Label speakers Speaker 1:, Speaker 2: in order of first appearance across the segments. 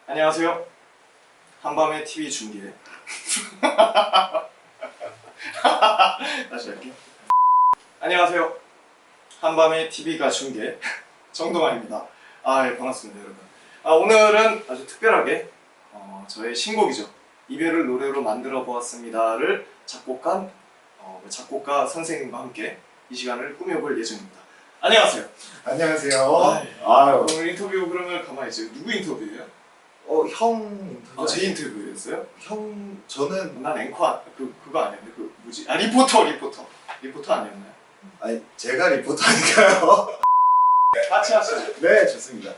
Speaker 1: 안녕하세요. 한밤의 TV 중계. 다시 할게요. 안녕하세요. 한밤의 TV가 중계 정동환입니다. 예, 반갑습니다, 여러분. 오늘은 아주 특별하게 저의 신곡이죠. 이별을 노래로 만들어 보았습니다를 작곡한 작곡가 선생님과 함께 이 시간을 꾸며볼 예정입니다. 안녕하세요.
Speaker 2: 안녕하세요.
Speaker 1: 오늘 인터뷰 그러면 가만히 있어요. 누구 인터뷰예요?
Speaker 2: 형 인터뷰.
Speaker 1: 제 인터뷰였어요?
Speaker 2: 저는
Speaker 1: 난 앵커 그거 아니었는데 그 뭐지? 리포터 아니었나요?
Speaker 2: 아니 제가 리포터니까요.
Speaker 1: 같이 하시죠.
Speaker 2: 네, 좋습니다.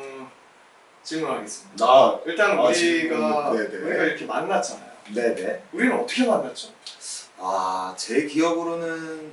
Speaker 1: 질문하겠습니다. 일단 우리가
Speaker 2: 네네.
Speaker 1: 우리가 이렇게 만났잖아요.
Speaker 2: 네네.
Speaker 1: 우리는 어떻게 만났죠?
Speaker 2: 제 기억으로는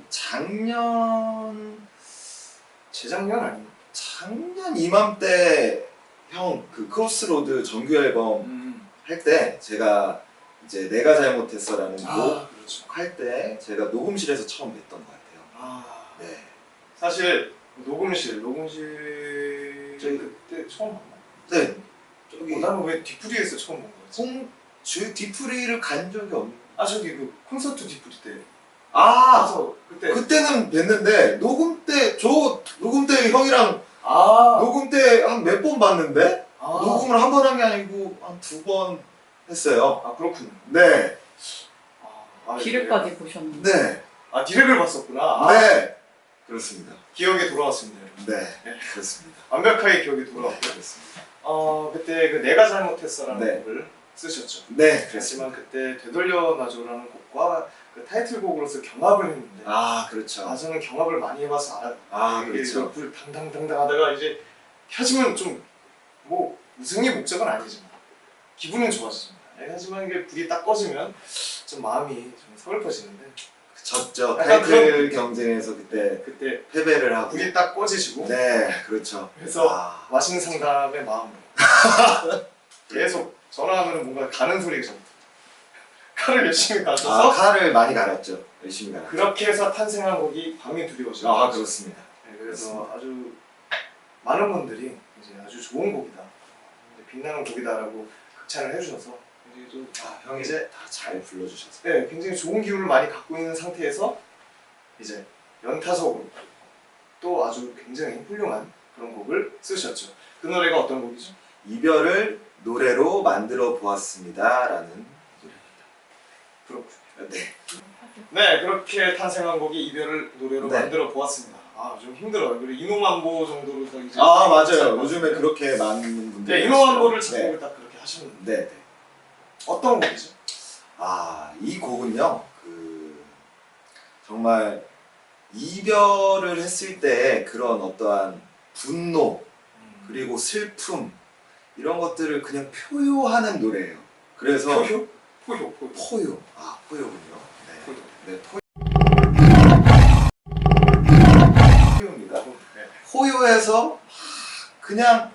Speaker 1: 재작년 아닌가?
Speaker 2: 작년 이맘때 형 그 크로스로드 정규 앨범 할 때 제가 이제 내가 잘못했어라는 곡
Speaker 1: 그렇죠.
Speaker 2: 할 때 제가 녹음실에서 처음 뵀던 것 같아요. 네.
Speaker 1: 사실 녹음실
Speaker 2: 저희
Speaker 1: 그때 처음 만나?
Speaker 2: 네. 저기
Speaker 1: 나는 왜 뒤풀이에서 처음 본 거지?
Speaker 2: 뒤풀이를 간 적이 없는.
Speaker 1: 저기 그 콘서트 뒤풀이 때.
Speaker 2: 그래서
Speaker 1: 그때.
Speaker 2: 그때는 뵀는데 녹음 때 형이랑 녹음 때 한 몇 번 봤는데 녹음을 한 번 한 게 아니고 한 2번 했어요.
Speaker 1: 그렇군요.
Speaker 2: 네.
Speaker 3: 디렉까지 보셨는데.
Speaker 2: 네.
Speaker 1: 디렉을 봤었구나.
Speaker 2: 네. 그렇습니다.
Speaker 1: 기억에 돌아왔습니다, 여러분.
Speaker 2: 네. 그렇습니다.
Speaker 1: 완벽하게 기억이 돌아왔고요.
Speaker 2: 그렇습니다.
Speaker 1: 그때 그 내가 잘못했어라는
Speaker 2: 네.
Speaker 1: 곡을 쓰셨죠.
Speaker 2: 네.
Speaker 1: 그렇지만 그때 되돌려놔줘라는 곡과 그 타이틀곡으로서 경합을 했는데
Speaker 2: 그렇죠.
Speaker 1: 저는 경합을 많이 해봐서 알아요.
Speaker 2: 그렇죠.
Speaker 1: 불 당당당당 하다가 이제 켜지면 좀 뭐 우승이 목적은 아니지만 기분은 좋아집니다. 하지만 이게 불이 딱 꺼지면 좀 마음이 좀 서글퍼지는데
Speaker 2: 졌죠.
Speaker 1: 약간
Speaker 2: 타이틀 경쟁에서 그때 패배를 하고.
Speaker 1: 불이 딱 꺼지시고
Speaker 2: 네. 그렇죠.
Speaker 1: 그래서 와신 상담의 마음으로 계속 전화하면 뭔가 가는 소리가 좀 칼을 열심히 가셔서
Speaker 2: 칼을 많이 갈았죠. 열심히 갈았죠.
Speaker 1: 그렇게 해서 탄생한 곡이 밤이 두려워져.
Speaker 2: 그렇습니다.
Speaker 1: 네, 그래서 아주 많은 분들이 이제 아주 좋은 곡이다, 빛나는 곡이다라고 극찬을 해주셔서 굉장히 좀
Speaker 2: 형이
Speaker 1: 이제
Speaker 2: 다 잘 불러주셔서.
Speaker 1: 네, 굉장히 좋은 기운을 많이 갖고 있는 상태에서 이제 연타석으로 또 아주 굉장히 훌륭한 그런 곡을 쓰셨죠. 그 노래가 어떤 곡이죠?
Speaker 2: 이별을 노래로 만들어 보았습니다라는 노래입니다.
Speaker 1: 그렇군요.
Speaker 2: 네.
Speaker 1: 네, 그렇게 탄생한 곡이 이별을 노래로
Speaker 2: 네.
Speaker 1: 만들어 보았습니다. 좀 힘들어요. 그리고 이노만보 정도로서 이제
Speaker 2: 맞아요. 요즘에 그렇게 많은 분들이.
Speaker 1: 네, 이노만보를
Speaker 2: 하시죠.
Speaker 1: 작곡을 딱 그렇게 하셨는데
Speaker 2: 네.
Speaker 1: 어떤 곡이죠?
Speaker 2: 이 곡은요. 정말 이별을 했을 때 그런 어떠한 분노 그리고 슬픔 이런 것들을 그냥 표요하는 노래예요. 그래서
Speaker 1: 포효.
Speaker 2: 포요군요. 네. 포요입니다. 포요해서 그냥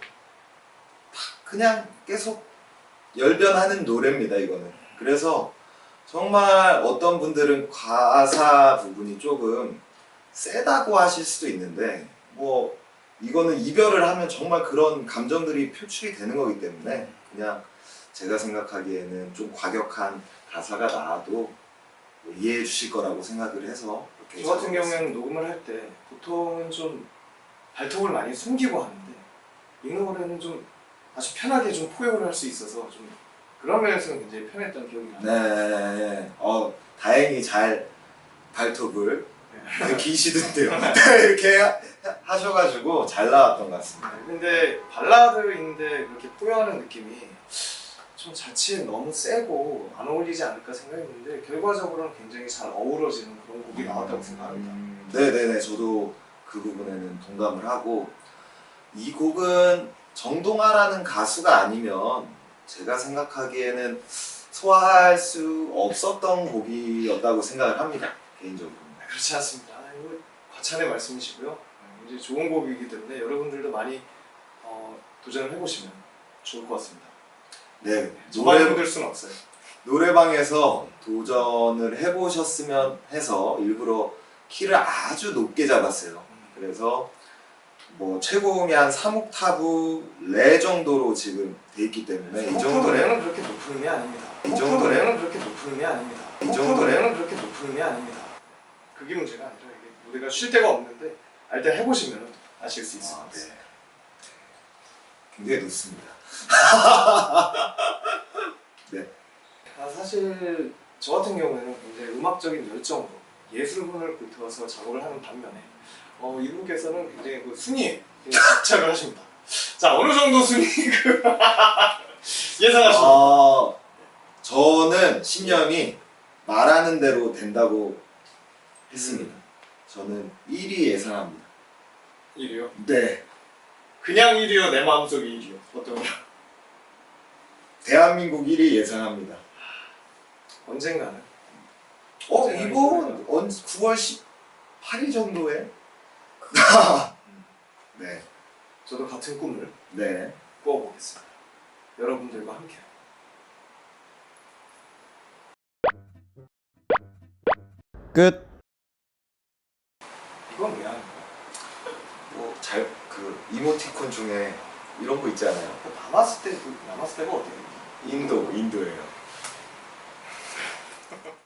Speaker 2: 계속 열변하는 노래입니다. 이거는. 그래서 정말 어떤 분들은 가사 부분이 조금 세다고 하실 수도 있는데 이거는 이별을 하면 정말 그런 감정들이 표출이 되는 거기 때문에 그냥 제가 생각하기에는 좀 과격한 가사가 나와도 이해해 주실 거라고 생각을 해서
Speaker 1: 저 같은 경우에는 녹음을 할 때 보통은 좀 발톱을 많이 숨기고 하는데 이 노래는 좀 아주 편하게 좀 포효를 할 수 있어서 좀 그런 면에서는 굉장히 편했던 기억이 나요.
Speaker 2: 네. 다행히 잘 발톱을 기시던데요. 이렇게 하셔가지고 잘 나왔던 것 같습니다.
Speaker 1: 근데 발라드인데 그렇게 포효하는 느낌이 좀 자칫 너무 세고 안 어울리지 않을까 생각했는데 결과적으로는 굉장히 잘 어우러지는 그런 곡이 나왔다고 생각합니다.
Speaker 2: 네네네. 저도 그 부분에는 동감을 하고 이 곡은 정동아라는 가수가 아니면 제가 생각하기에는 소화할 수 없었던 곡이었다고 생각을 합니다. 개인적으로.
Speaker 1: 그렇지 않습니다. 이거 과찬의 말씀이시고요. 굉장히 좋은 곡이기 때문에 여러분들도 많이 도전을 해보시면 좋을 것 같습니다.
Speaker 2: 네.
Speaker 1: 저만 힘들 수는 없어요.
Speaker 2: 노래방에서 도전을 해보셨으면 해서 일부러 키를 아주 높게 잡았어요. 그래서 뭐 최고음이 한 3옥타브 레 정도로 지금 돼 있기 때문에 이 정도
Speaker 1: 레는 그렇게 높은 음이 아닙니다.
Speaker 2: 이 정도
Speaker 1: 레는 그렇게 높은 음이 아닙니다.
Speaker 2: 이 정도
Speaker 1: 레는 그렇게 높은 음이 아닙니다. 그게 문제가 아니라 이게 무대가 쉴 데가 없는데 일단 해보시면 아실 수 있습니다.
Speaker 2: 네. 굉장히 높습니다. 네.
Speaker 1: 사실 저 같은 경우에는 굉장히 음악적인 열정으로 예술분을 불태워서 작업을 하는 반면에 이분께서는 굉장히 그 순위에 굉장히 집착을 하십니다. 자, 어느 정도 순위 예상하십니까?
Speaker 2: 저는 신념이 말하는 대로 된다고 했습니다. 저는 1위 예상합니다.
Speaker 1: 1위요?
Speaker 2: 네.
Speaker 1: 그냥 1위요? 내 마음속 1위요? 어떤 거요?
Speaker 2: 대한민국 1위 예상합니다.
Speaker 1: 언젠가는
Speaker 2: 이번 9월 18일 정도에? 네.
Speaker 1: 저도 같은 꿈을
Speaker 2: 네.
Speaker 1: 꾸어보겠습니다. 여러분들과 함께.
Speaker 2: 끝.
Speaker 1: 이건 왜 하는 거야?
Speaker 2: 그 이모티콘 중에 이런 거 있잖아요.
Speaker 1: 남았을 때가 어디예요?
Speaker 2: 인도예요.